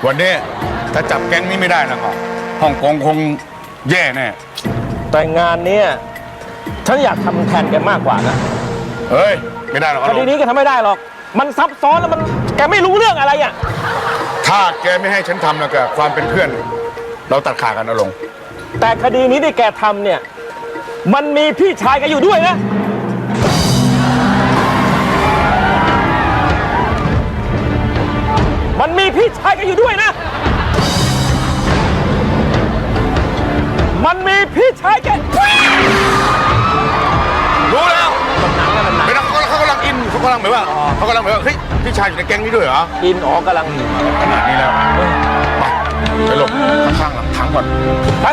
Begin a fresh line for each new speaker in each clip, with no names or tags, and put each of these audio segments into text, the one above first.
วันนี้ถ้าจับแก๊งนี้ไม่ได้แล้วก็ฮ่องกงคงแย่แน่
แต่งานนี้ฉันอยากทำแทนแกมากกว่านะ
เฮ้ยไม่ได้หรอก
คดีนี้แกทำไม่ได้หรอกมันซับซ้อนแล้วมันแกไม่รู้เรื่องอะไรอ่ะ
ถ้าแกไม่ให้ฉันทำแล้วก็ความเป็นเพื่อนเราตัดขาดกันนะลง
แต่คดีนี้ที่แกทำเนี่ยมันมีพี่ชายแกอยู่ด้วยนะมันมีพี่ชายแกอยู่ด้วยนะมันมีพี่ชายแก
รู้แล้วไม่ต้องเขากำลังอินเขากำลังแบบว่าเฮ้ยพี่ชายอยู่ในแก๊งนี้ด้วยเหรอ
อินกำลัง
ขนาดนี้แล้วไปหลบข้างหลังถังก่อนไป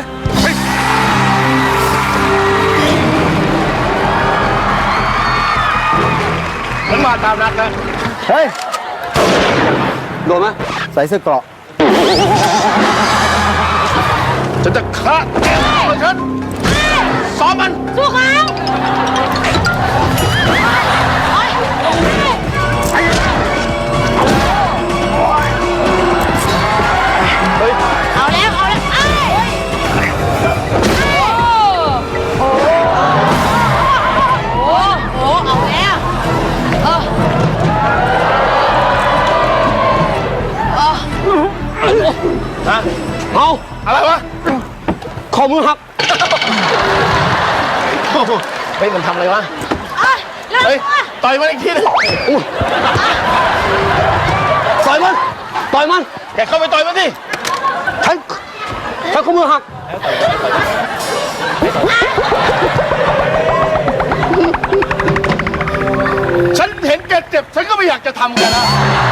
มันมาตามนัดนะ
เฮ้ยโดนไหมใส่เสื้อเกราะ
ฉันจะฆ่าแกฉันซ้อมมัน
สู้เขาเอาแล้วเอาแล้ว
เอา
อะไรวะ
ขอมือหักเฮ้ยมันทำอะไรวะ
เฮ้ยต่อยมันอีกทีนึง
ต่อยมัน
แกเข้าไปต่อยมันดิ
ฉันขอมือหัก
ฉันเห็นแกเจ็บฉันก็ไม่อยากจะทำแกนะ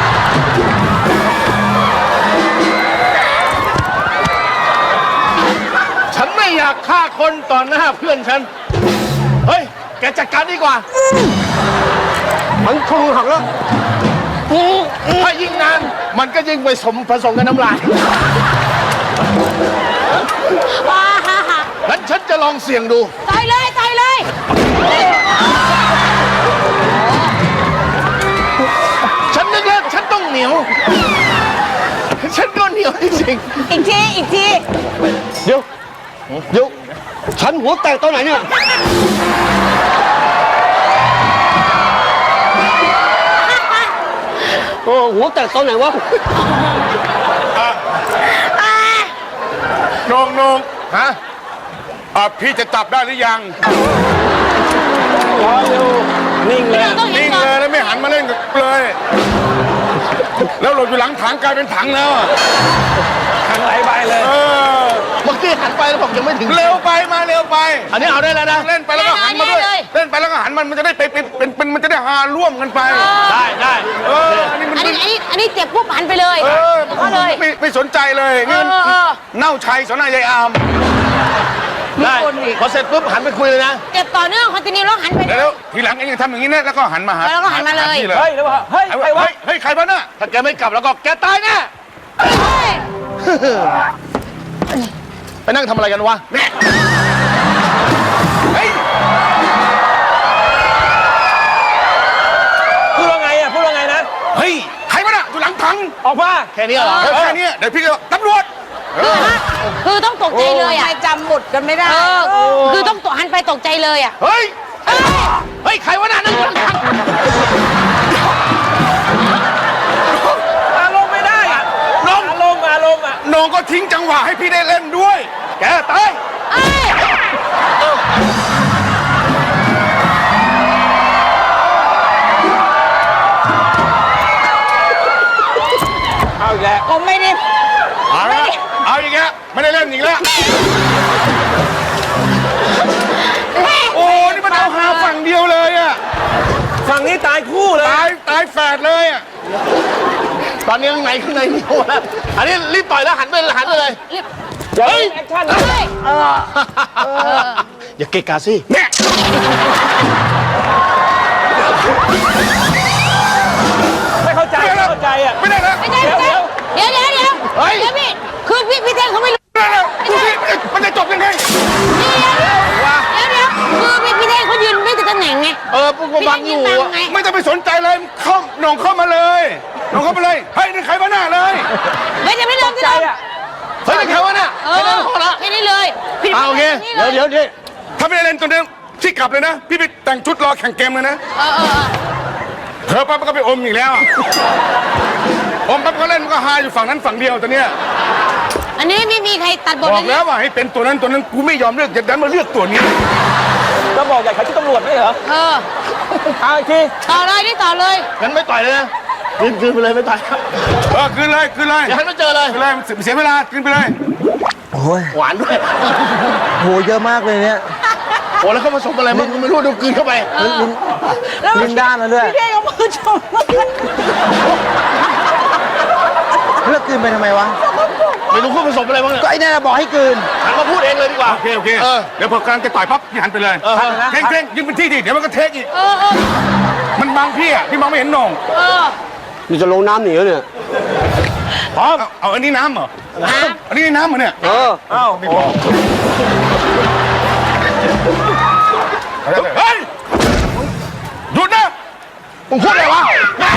ฉันไม่อยากฆ่าคนต่อหน้าเพื่อนฉันเฮ้ยแกจัดการดีกว่า
มันขอมือหักแล้ว
ถ้ายิ่งนานมันก็ยิ่งผสมกับน้ำลายงั้นฉันจะลองเสี่ยงดู
ต่อยเลย
ฉันนึกแล้วฉันต้องเหนียวฉันก็เหนียวจริง
อีกที
เดี๋ยวฉันหัวแตกตอนไหนเนี่ยโอ้หัวแตกตอนไหนวะ
นงฮะพี่จะจับได้หรือยัง
รอเร็วนิ่งเลย
แล้วไม่หันมาเล่นเลยแล้วหลบอยู่หลังถังกลายเป็นถังแล้ว
ถังไหลไปเลย
เมื่อกี้หันไปแล้วผมยังไม่ถึงเร็วไป
อันนี้เอาได้แล้วนะ
เล่นไปแล้วก็หันมาด้วยเล่นไปแล้วก็หันมันจะได้เป็นมันจะได้หาร่วมกันไป
ได้
อันนี้เจ็บปุ๊บหันไปเลยก็เลย
ไม่สนใจเลยเงินเน่าชัยสนายายอาม
ได้พอเสร็จปุ๊บหันไปคุยเลยนะ
เจ็บต่อเนื่องคอนติเนียแล้วหันไป
แล้วทีหลังเองยังทำอย่างนี้นะแล้วก็หันมาหา
แล้วก็หันมาเลย
เฮ้ย
ใครบ้าน่ะถ้าแกไม่กลับแล้วก็แกตายแน่ไปนั่งทำอะไรกันวะแม่เฮ้ย
พูดว่าไงนะ
เฮ้ยใครบ้าน่ะอยู่หลังถัง
ออกมา
แค่นี้เหรอแค่นี้เดี๋ยวพี่ก็ตำรวจ
คือต้องตกใจเลยอ่ะจำหมดกันไม่ได้คือต้องหันไปตกใจเลยอ่ะ
เฮ้ยใครวะน่ะนั่งอยู่หลังถัง
อารมณ์ไม่ได้อ่ะอารมณ์อ่ะ
น้องก็ทิ้งจังหวะให้พี่ได้เล่นด้วยแกตาย
เอาอีกแล้ว
ผมไม่ได้
เอาอีกแล้วไม่ได้เล่นอีกแล้วโอ้นี่มันเอาหาฝั่งเดียวเลยอ่ะ
ฝั่งนี้ตายคู่เลย
ตายแฝดเลยอ่ะตอนนี้ข้างในนี่โอ้แล้วอันนี้รีบต่อยแล้วหันไปเลย
เฮ้ยแอคชั่นเลย
อย่าเกะกะสิแม่
ไม่เข้าใจอ่ะ
ไม่ได้แล้ว
เดี๋ยวพี่คือพี่เท่งเขาไม่รู้
มันจะจบยังไง
เดี๋ยวคือพี่เท่งเขายืนไม่ติดตำแหน่งไง
ปุ๊บบังอยู่ไม่ต้องไปสนใจเลยน้องเข้ามาเลยเฮ้ยนี่ใครมาหน้าเลย
ไม่จะไม่เลย
เดี๋ยว
ถ้าไม่ได้เล่นตัวนี้ที่กลับเลยนะ พี่ไปแต่งชุดรอแข่งเกมเลยนะ เธอปั๊บก็ไปอมอีกแล้วอมปั๊บก็เล่นมันก็ฮาอยู่ฝั่งนั้นฝั่งเดียวตัวเนี้ย
อันนี้ไม่มีใครตัดบท
บ
เล
อก
ย
แล้วว่าให้เป็นตัวนั้นกูไม่ยอมเลือกจะดันมาเลือกตัวนี้
ก็บอกอยากขายชุดตำรวจไม่เหรอ เอาอีกที
ต่อเลยนี่ต่อเลย
งั้นไม่ต่อยเลยนะคืนไปเลยไม่ต่อยครับ
คืนเลย
อย่าให้มันเจอเลย
คืนเลยเสียเวลาคืนไปเลย
โอ้ย
หวานด้วย
โหเยอะมากเลยเนี่ย
โอ้แล้วเขาผสมอะไรมึงไม่รู้ดูกลืนเข้าไป
ลิ้นด้านแล้วด้วย
พี่เท่งเอามือชม
เลือกกลืนไปทำไมวะ
ไม่รู้เขาผสมอะไรบ้างเนี่ย
ก็ไอ้นั่นนะบอกให้กลืน
หันมาพูดเองเลยดีกว่า
โอเคเดี๋ยวพอกำลังจะต่อยปั๊บพี่หันไปเลยเท่งยืนเป็นที่ดิเดี๋ยวมันก็เทคอีกมันบังพี่อ่ะพี่มองไม่เห็นหน่อง
นี่จะลงน้ำหนีแล้วเนี่ย
พร้อมเอาอันนี้น้ำเหรออันนี้น้ำเหรอเนี่ย
เออ
เอ้า
เฮ้ยหยุดนะ
มึงพูดอะไรวะ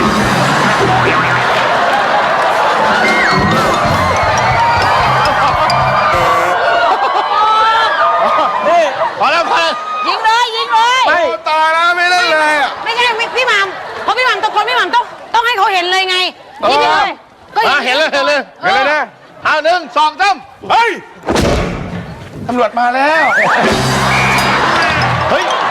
นี่
พอแล้ว
ยิงเลยยิงเลย
ไม่
ตายแล้วไม่เล่นเลยอ่ะ
ไม่ใช่พี่หม่ำเพราะพี่หม่ำตะโกนพี่หม่ำต้องให้เขาเห็นเลยไงยิงเลยก็ยิง
เห็นเลย
เห็นเลยนะ
เอา1 2 3
เฮ้ยตำรวจมาแล้ว
เฮ้ย